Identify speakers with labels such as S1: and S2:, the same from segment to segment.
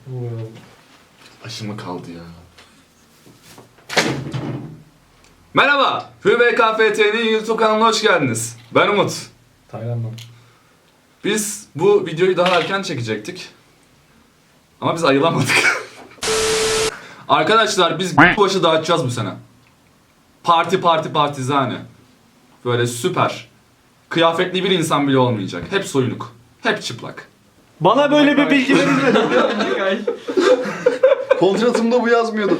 S1: Aşımı kaldı ya. Merhaba, HÜBKFT'nin YouTube kanalına hoş geldiniz. Ben Umut.
S2: Tayland'dan.
S1: Biz bu videoyu daha erken çekecektik. Ama biz ayılamadık. Arkadaşlar biz başı dağıtacağız bu sene. Partizane. Böyle süper. Kıyafetli bir insan bile olmayacak. Hep soyunuk. Hep çıplak.
S3: Bana böyle bir bilgi verilmedi.
S4: Kontratımda bu yazmıyordu.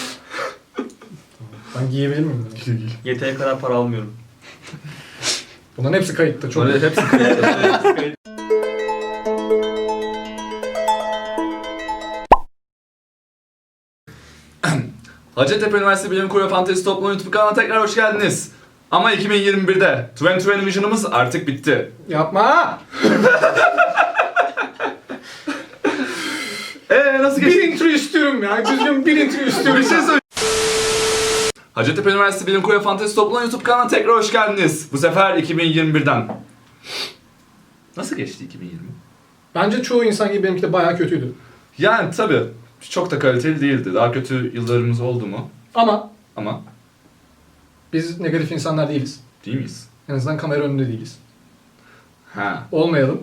S2: Ben giyebilir miyim bunu?
S3: Yeteri kadar para almıyorum.
S2: Bunların hepsi kayıtta. Çok
S1: Böyle hepsi kıyafetli. Hacettepe Üniversitesi Bilim Kurulu Fantezi Topluluğu YouTube kanalına tekrar hoş geldiniz. Ama 2021'de 2020 Vision'ımız artık bitti.
S2: Yapma!
S1: Nasıl
S2: Bir
S1: geçti?
S2: intro istiyorum ya. Düzgün bir intro istiyorum.
S1: Bir şey söyle. Hacettepe Üniversitesi Bilim Kurulu Fantezi Topluluğu YouTube kanalına tekrar hoş geldiniz. Bu sefer 2021'den. Nasıl geçti 2020?
S2: Bence çoğu insan gibi benimki de bayağı kötüydü.
S1: Yani tabii çok da kaliteli değildi. Daha kötü yıllarımız oldu mu? Ama
S2: Biz negatif insanlar değiliz.
S1: değil miyiz?
S2: En azından kamera önünde değiliz.
S1: Ha.
S2: Olmayalım.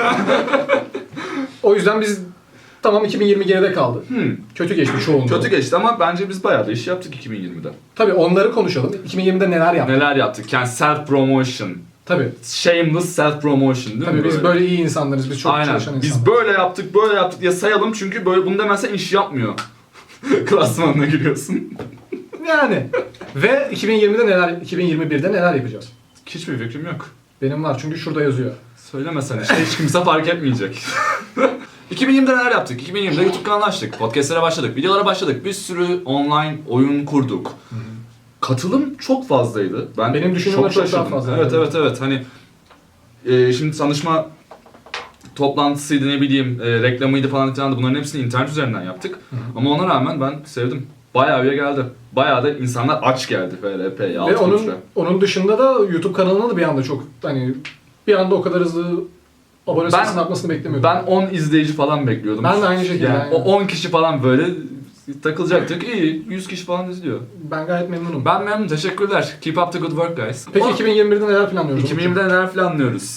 S2: O yüzden biz tamam 2020 geride kaldı. Kötü geçti çoğunluğu.
S1: Kötü geçti ama bence biz bayağı da iş yaptık 2020'de.
S2: Tabii onları konuşalım. 2020'de neler yaptık?
S1: Neler yaptık? Yani self promotion.
S2: Tabii.
S1: Shameless self promotion değil mi?
S2: Tabii biz böyle iyi insanlarız. Biz çok
S1: Aynen.
S2: çalışan insanlarız.
S1: Biz böyle yaptık diye sayalım çünkü böyle bunu demezsen iş yapmıyor. Klasmanına giriyorsun.
S2: Yani. Ve 2021'de neler yapacağız?
S1: Hiçbir fikrim yok.
S2: Benim var çünkü şurada yazıyor.
S1: Söylemesen işte hiç kimse fark etmeyecek. 2020'de neler yaptık? 2020'de YouTube kanalı açtık, podcastlere başladık, videolara başladık, bir sürü online oyun kurduk. Katılım çok fazlaydı.
S2: Benim düşündüğümden çok daha
S1: şaşırdım.
S2: fazla.
S1: Evet. Hani şimdi tanışma toplantısıydı ne bileyim, reklamıydı falan filan da bunların hepsini internet üzerinden yaptık. Ama ona rağmen ben sevdim. Bayağı bir geldi. Bayağı da insanlar aç geldi FRP ya.
S2: Ve onun dışında da YouTube kanalına da bir anda çok hani bir anda o kadar hızlı abone sayısının artmasını beklemiyordum.
S1: Ben 10 izleyici falan bekliyordum.
S2: Ben de aynı şekilde.
S1: Yani
S2: Yani.
S1: o 10 kişi falan böyle takılacaktık. İyi, 100 kişi falan izliyor.
S2: Ben gayet memnunum.
S1: Ben memnunum, teşekkürler. Keep up the good work guys.
S2: Peki 2021'de neler planlıyoruz?
S1: 2020'de neler planlıyoruz?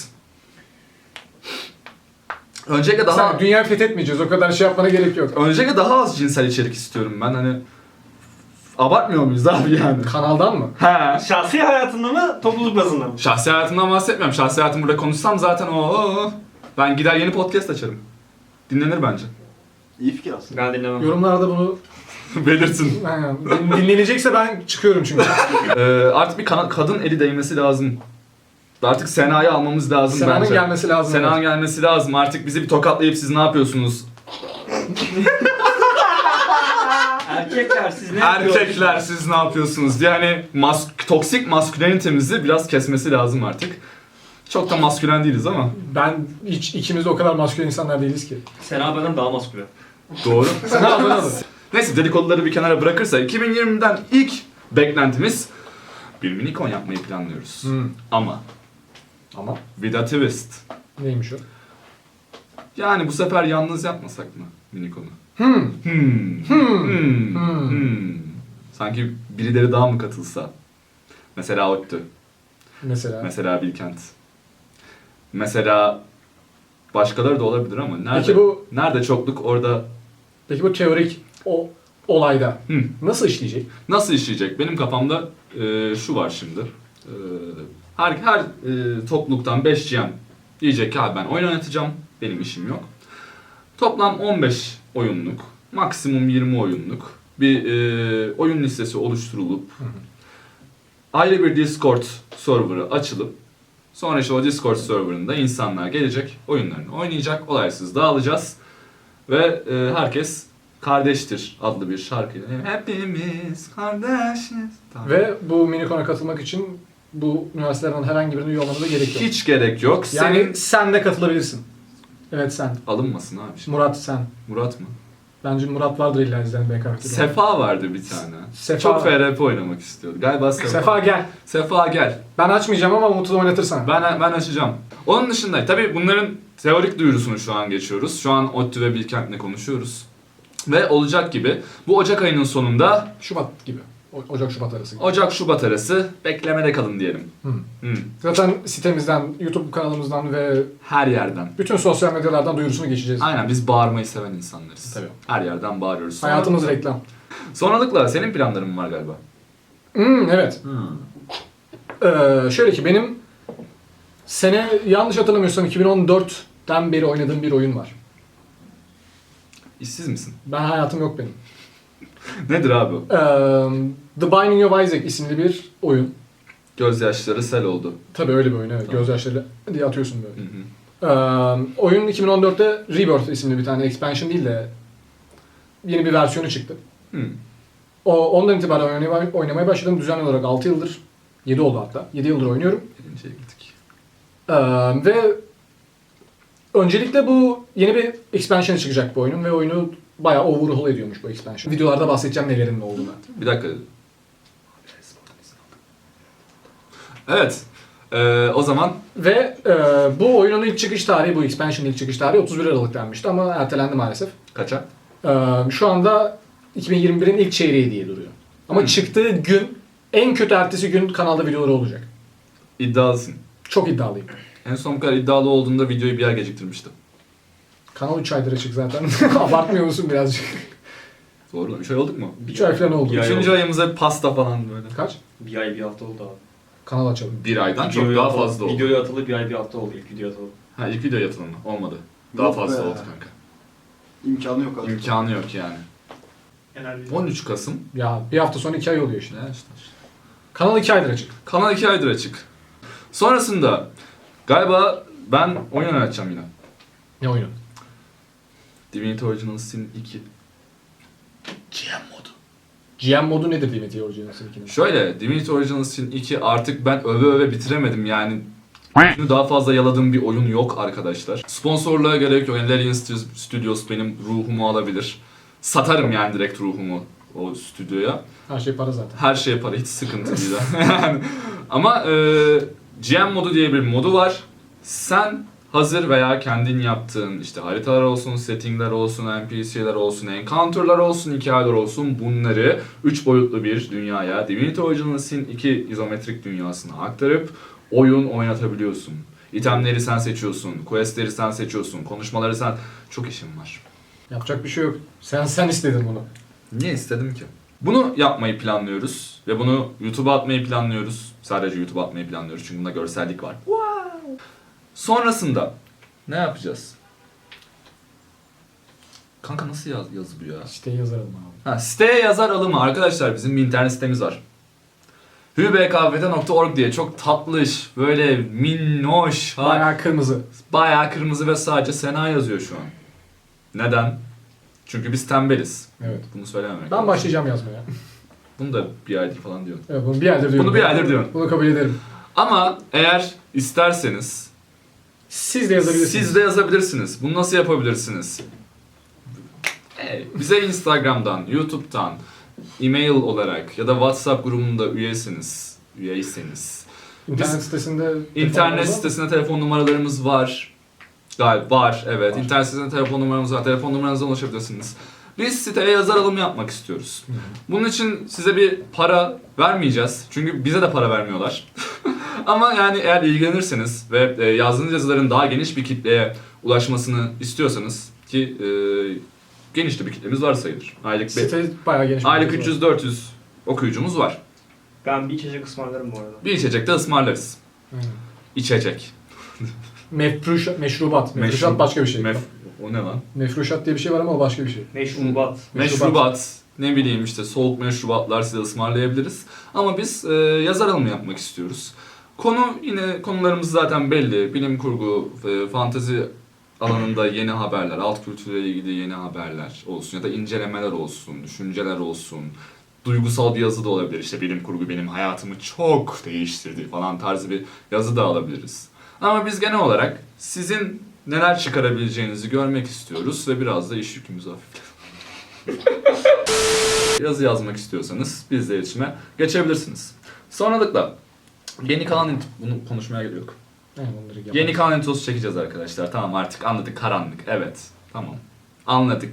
S1: Öncelikle daha
S2: Sen dünyayı fethetmeyeceğiz. O kadar şey yapmana gerek yok.
S1: daha az cinsel içerik istiyorum ben hani. Abartmıyor muyuz abi yani?
S2: Kanaldan mı?
S1: He.
S3: Şahsi hayatında mı, topluluk bazında mı?
S1: Şahsi hayatımdan bahsetmiyorum. Şahsi hayatımı burada konuşsam zaten ben gider yeni podcast açarım. Dinlenir bence.
S4: İyi fikir aslında.
S3: Ben dinlemem.
S2: Yorumlarda bunu
S1: Belirtin.
S2: aynen, dinlenecekse ben çıkıyorum çünkü.
S1: Artık bir kadın eli değmesi lazım. Artık Sena'yı almamız lazım
S2: Sena'nın
S1: bence.
S2: gelmesi lazım.
S1: Sena'nın gelmesi lazım. Artık bizi bir tokatlayıp siz ne yapıyorsunuz?
S3: Erkekler siz ne yapıyorsunuz?
S1: Erkekler siz ne yapıyorsunuz diye hani toksik maskülenitemizi biraz kesmesi lazım artık. Çok da maskülen değiliz ama.
S2: İkimiz de o kadar maskülen insanlar değiliz ki.
S3: Sena benden daha maskülen.
S1: Doğru.
S2: Sena abone olun.
S1: Neyse dedikoduları bir kenara bırakırsa 2020'den ilk beklentimiz bir minikon yapmayı planlıyoruz. Ama
S2: Ama
S1: with a twist.
S2: neymiş o?
S1: Yani bu sefer yalnız yapmasak mı minikonu? Sanki birileri daha mı katılsa? Mesela ODTÜ.
S2: Mesela.
S1: Mesela Bilkent. Mesela başkaları da olabilir ama nerede? Nerede çokluk orada
S2: Peki bu teorik olayda nasıl işleyecek?
S1: nasıl işleyecek? Benim kafamda şu var şimdi. Her topluluktan 5 GM diyecek ki abi ben oyun oynatacağım. Benim işim yok. Toplam 15 oyunluk, maksimum 20 oyunluk bir oyun listesi oluşturulup ayrı bir Discord serverı açılıp sonra işte o Discord serverında insanlar gelecek, oyunlarını oynayacak, olaysız dağılacağız ve herkes kardeştir adlı bir şarkıyla hepimiz kardeşiz. Tamam.
S2: Ve bu minikona katılmak için bu üniversitelerden herhangi birine üye olmana da gerek yok.
S1: Hiç gerek yok.
S2: Yani sen de katılabilirsin. Evet sen.
S1: Alınmasın abi şimdi.
S2: Murat sen.
S1: Murat mı?
S2: Bence Murat vardır illa izleyen BKF'de.
S1: Sefa vardı bir tane.
S2: Sefa.
S1: Çok FRP oynamak istiyordu. Galiba Sefa.
S2: Sefa gel.
S1: Sefa gel.
S2: Ben açmayacağım ama Umut'u da oynatırsan.
S1: Ben açacağım. Onun dışında tabii bunların teorik duyurusunu şu an geçiyoruz. Şu an ODTÜ ve Bilkent'le konuşuyoruz. Ve olacak gibi bu Ocak ayının sonunda
S2: Şubat gibi. Ocak-Şubat arası gibi.
S1: Ocak-Şubat arası beklemede kalın diyelim.
S2: Hı.
S1: Hı.
S2: Zaten sitemizden, YouTube kanalımızdan ve
S1: Her yerden.
S2: bütün sosyal medyalardan duyurusunu geçeceğiz.
S1: Aynen biz bağırmayı seven insanlarız.
S2: Tabii.
S1: Her yerden bağırıyoruz.
S2: Hayatımız reklam.
S1: Sonralıkla senin planların var galiba.
S2: Evet. Şöyle ki benim sene yanlış hatırlamıyorsam 2014'ten beri oynadığım bir oyun var.
S1: İşsiz misin?
S2: Ben hayatım yok benim.
S1: Nedir abi o?
S2: The Binding of Isaac isimli bir oyun.
S1: Gözyaşları sel oldu.
S2: Tabii öyle bir oyun evet.
S1: Tamam.
S2: Gözyaşları diye atıyorsun böyle.
S1: Hı hı.
S2: Oyun 2014'te Rebirth isimli bir tane expansion değil de yeni bir versiyonu çıktı.
S1: Hı.
S2: Ondan itibaren oynamaya başladım düzenli olarak 6 yıldır. 7 oldu hatta. 7 yıldır oynuyorum.
S1: Birinciye gittik.
S2: Ve öncelikle bu yeni bir expansion çıkacak bu oyunun ve oyunu bayağı overhaul ediyormuş bu expansion. Videolarda bahsedeceğim nelerin ne olduğunu.
S1: Bir dakika. Evet. O zaman
S2: Ve bu oyunun ilk çıkış tarihi, bu expansion'ın ilk çıkış tarihi 31 Aralık denmişti ama ertelendi maalesef.
S1: kaça?
S2: Şu anda 2021'in ilk çeyreği diye duruyor. Ama çıktığı gün, en kötü ertesi gün kanalda videoları olacak.
S1: İddialısın.
S2: Çok iddialıyım.
S1: En son bu kadar iddialı olduğunda videoyu bir yer geciktirmiştim.
S2: Kanal 3 aydır açık zaten. Abartmıyor musun birazcık?
S1: Doğru mu? 3 ay olduk mu?
S2: 3 ay falan oldu.
S3: Bir ay
S1: 3. ayımıza pasta falan böyle.
S2: Kaç?
S3: Bir ay bir hafta oldu abi.
S2: Kanal açalım.
S1: 1 aydan çok
S3: Videoya
S1: daha
S3: atılı-
S1: fazla oldu.
S3: Videoya atılı bir ay bir hafta oldu ilk video atılı.
S1: Ha ilk video yatılımı olmadı. Daha
S4: Yok
S1: fazla
S4: be.
S1: oldu kanka.
S4: İmkanı yok abi.
S1: İmkanı yok yani.
S3: Genelde.
S1: 13 Kasım.
S2: Ya bir hafta sonra 2 ay oluyor işte.
S1: Ne işte.
S2: Kanal 2 aydır açık.
S1: Kanal 2 aydır açık. Sonrasında galiba ben oyun oynatacağım yine.
S2: Ne oyunu?
S1: Divinity Original Sin 2. GM modu.
S2: GM modu nedir Divinity Original Sin 2'nin?
S1: Şöyle, Divinity Original Sin 2 artık ben öve bitiremedim yani. Daha fazla yaladığım bir oyun yok arkadaşlar. Sponsorluğa gerek yok. Yani Larian Studios benim ruhumu alabilir. Satarım yani direkt ruhumu o stüdyoya.
S2: Her şey para zaten.
S1: Her şeye para, hiç sıkıntı değil. Yani. Ama GM modu diye bir modu var. Sen hazır veya kendin yaptığın işte haritalar olsun, settingler olsun, NPC'ler olsun, encounter'lar olsun, hikayeler olsun bunları 3 boyutlu bir dünyaya Divinity Original Sin 2 izometrik dünyasına aktarıp oyun oynatabiliyorsun. İtemleri sen seçiyorsun, questleri sen seçiyorsun, konuşmaları sen... Çok işim var.
S2: Yapacak bir şey yok. Sen istedin bunu.
S1: Niye istedim ki? Bunu yapmayı planlıyoruz ve bunu YouTube'a atmayı planlıyoruz. Sadece YouTube'a atmayı planlıyoruz çünkü bunda görsellik var. Wow. Sonrasında ne yapacağız? Kanka nasıl yazı bu ya?
S2: İşte yazarım abi.
S1: Ha, siteye yazar alımı arkadaşlar bizim bir internet sitemiz var. hübkft.org diye çok tatlış, böyle minnoş,
S2: Bayağı kırmızı.
S1: bayağı kırmızı ve sadece Sena yazıyor şu an. Neden? Çünkü biz tembeliz.
S2: Evet.
S1: Bunu söylememek
S2: Ben
S1: lazım.
S2: başlayacağım yazmaya.
S1: Bunu da bir aydır falan diyorum.
S2: Evet, bunu bir aydır diyorum.
S1: Bunu bir aydır diyorum.
S2: Bunu kabul ederim.
S1: Ama eğer isterseniz
S2: Siz de yazabilirsiniz.
S1: siz de yazabilirsiniz. Bunu nasıl yapabilirsiniz? Bize Instagram'dan, YouTube'dan, e-mail olarak ya da WhatsApp grubunda üyeyseniz.
S2: İnternet sitesinde...
S1: İnternet sitesinde telefon numaralarımız var. Galiba var, evet.
S2: Var.
S1: İnternet sitesinde telefon numaramız var. Telefon numaranıza ulaşabilirsiniz. Biz siteye yazar alımı yapmak istiyoruz.
S2: Hı hı.
S1: Bunun için size bir para vermeyeceğiz. Çünkü bize de para vermiyorlar. Ama yani eğer ilgilenirseniz ve yazdığınız yazıların daha geniş bir kitleye ulaşmasını istiyorsanız ki geniş de bir kitlemiz var sayılır.
S2: Site bayağı geniş. bir
S1: Aylık
S2: site var.
S1: 300-400 okuyucumuz var.
S3: Ben bir içecek ısmarlarım bu arada.
S1: Bir içecek de ısmarlarız.
S2: Aynen.
S1: İçecek.
S2: Meşrubat. Meşrubat
S1: Meşru-
S2: başka bir şey.
S1: O ne lan?
S2: Mefruşat diye bir şey var ama o başka bir şey.
S3: Meşrubat.
S1: Meşrubat, ne bileyim işte soğuk meşrubatlar size ısmarlayabiliriz. Ama biz yazar alımı yapmak istiyoruz. Yine konularımız zaten belli. Bilim kurgu, fantezi alanında yeni haberler, alt kültürle ilgili yeni haberler olsun ya da incelemeler olsun, düşünceler olsun. Duygusal bir yazı da olabilir. İşte bilim kurgu benim hayatımı çok değiştirdi falan tarzı bir yazı da alabiliriz. Ama biz genel olarak sizin neler çıkarabileceğinizi görmek istiyoruz ve biraz da iş yükümüzü hafifletelim. Yazı yazmak istiyorsanız bizle iletişime geçebilirsiniz. Sonralıkla yeni kalan bunu konuşmaya gerek yok.
S2: Aynen, onları
S1: Yeni kalan introsu çekeceğiz arkadaşlar. Tamam artık anladık karanlık. Evet. Tamam. Anladık.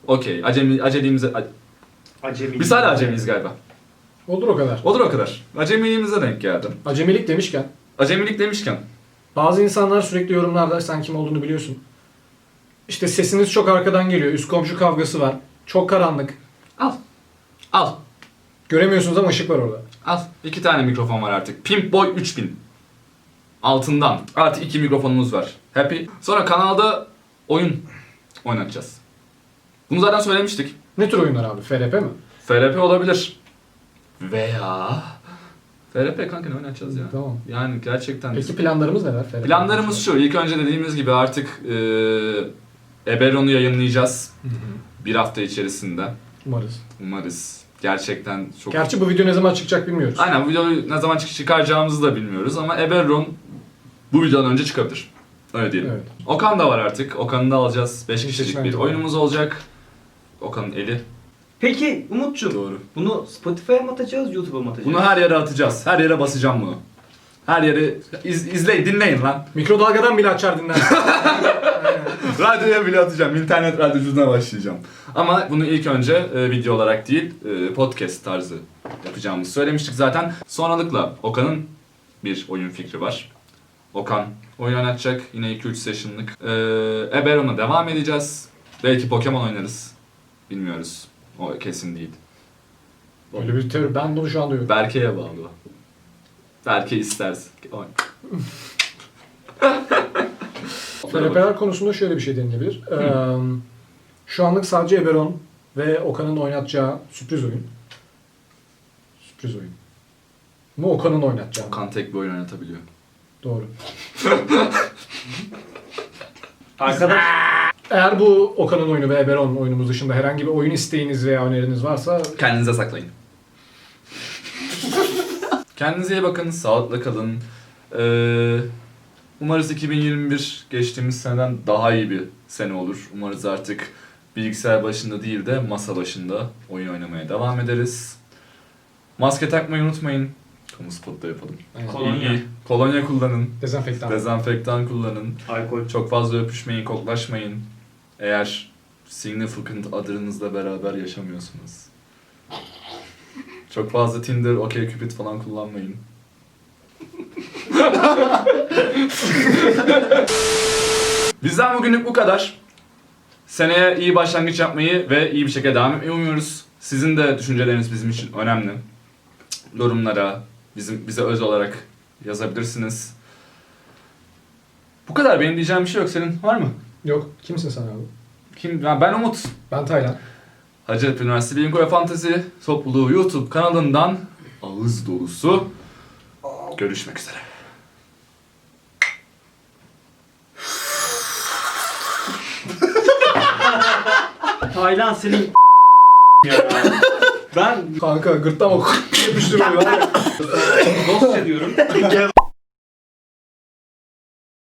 S1: Okey. Acemiliğimize...
S3: Acemi.
S1: Biz hala acemiyiz galiba.
S2: Olur o kadar.
S1: Olur o kadar. Acemiliğimize denk geldim.
S2: Acemilik demişken
S1: Acemilik demişken.
S2: bazı insanlar sürekli yorumlarda sen kim olduğunu biliyorsun. İşte sesiniz çok arkadan geliyor. Üst komşu kavgası var. Çok karanlık.
S1: Al. Al.
S2: Göremiyorsunuz ama ışık var orada.
S1: Al. 2 tane mikrofon var artık. Pimp Boy 3000. Altından. Artı 2 mikrofonumuz var. Happy. Sonra kanalda oyun oynatacağız. Bunu zaten söylemiştik.
S2: Ne tür oyunlar abi? FRP mi?
S1: FRP olabilir. Veya... FRP kanka ne oynatacağız ya?
S2: Tamam.
S1: Yani gerçekten...
S2: Peki planlarımız neler? FRP
S1: Planlarımız şu. İlk önce dediğimiz gibi artık Eberron'u yayınlayacağız.
S2: Hı hı.
S1: Bir hafta içerisinde.
S2: Umarız.
S1: Umarız. Gerçekten çok...
S2: Gerçi bu video ne zaman çıkacak bilmiyoruz.
S1: Aynen, bu videoyu ne zaman çıkaracağımızı da bilmiyoruz ama Eberron bu videodan önce çıkabilir. Öyle diyelim.
S2: Evet.
S1: Okan da var artık. Okan'ı da alacağız. 5 kişilik
S2: seçmen
S1: bir
S2: var.
S1: oyunumuz olacak. Okan'ın eli.
S3: Peki Umut'cum,
S1: Doğru.
S3: bunu Spotify'a mı atacağız, YouTube'a mı atacağız?
S1: Bunu her yere atacağız. Her yere basacağım bunu. Her yere izleyin, dinleyin lan.
S2: Mikrodalgadan bile açar dinlersin.
S1: Radyoya bile atacağım. İnternet radyoculuğuna başlayacağım. Ama bunu ilk önce video olarak değil, podcast tarzı yapacağımızı söylemiştik zaten. Sonralıkla Okan'ın bir oyun fikri var. Okan oyun oynatacak. Yine 2-3 session'lık. Eberron'a devam edeceğiz. Belki Pokemon oynarız. Bilmiyoruz. O kesin değil.
S2: Öyle bir teori. Ben bunu şu an duyuyorum.
S1: Berke'ye bağlı. Berke isterse. Oy.
S2: FRP'ler konusunda şöyle bir şey denilebilir. Şu anlık sadece Eberron ve Okan'ın oynatacağı sürpriz oyun. Sürpriz oyun. Bu Okan'ın oynatacağı.
S1: Okan tek bir oyun oynatabiliyor.
S2: Doğru.
S3: Arkadaş,
S2: Eğer bu Okan'ın oyunu ve Eberron oyunumuz dışında herhangi bir oyun isteğiniz veya öneriniz varsa
S1: Kendinize saklayın. Kendinize iyi bakın, sağlıkla kalın. Umarız 2021 geçtiğimiz seneden daha iyi bir sene olur. Umarız artık bilgisayar başında değil de masa başında oyun oynamaya devam ederiz. Maske takmayı unutmayın. Kamu spotu da yapalım.
S3: Kolonya.
S1: Kolonya kullanın.
S2: dezenfektan.
S1: Dezenfektan kullanın.
S3: alkol.
S1: Çok fazla öpüşmeyin, koklaşmayın. Eğer significant adınızla beraber yaşamıyorsunuz. Çok fazla Tinder, OkCupid falan kullanmayın. Bizden bugünlük bu kadar. Seneye iyi başlangıç yapmayı ve iyi bir şekilde devam etmeyi umuyoruz. Sizin de düşünceleriniz bizim için önemli. Yorumlara, bize öz olarak yazabilirsiniz. Bu kadar. Benim diyeceğim bir şey yok. Senin var mı?
S2: Yok. Kimsin sen abi?
S1: Kim? Ben Umut.
S2: Ben Taylan.
S1: Hacettepe Üniversitesi Bilim Kurulu ve Fantezi Topluluğu YouTube kanalından ağız dolusu görüşmek üzere.
S3: Taylan senin ya. Ben
S2: Kanka gırtlağıma yapıştırıyor.
S3: dost ediyorum.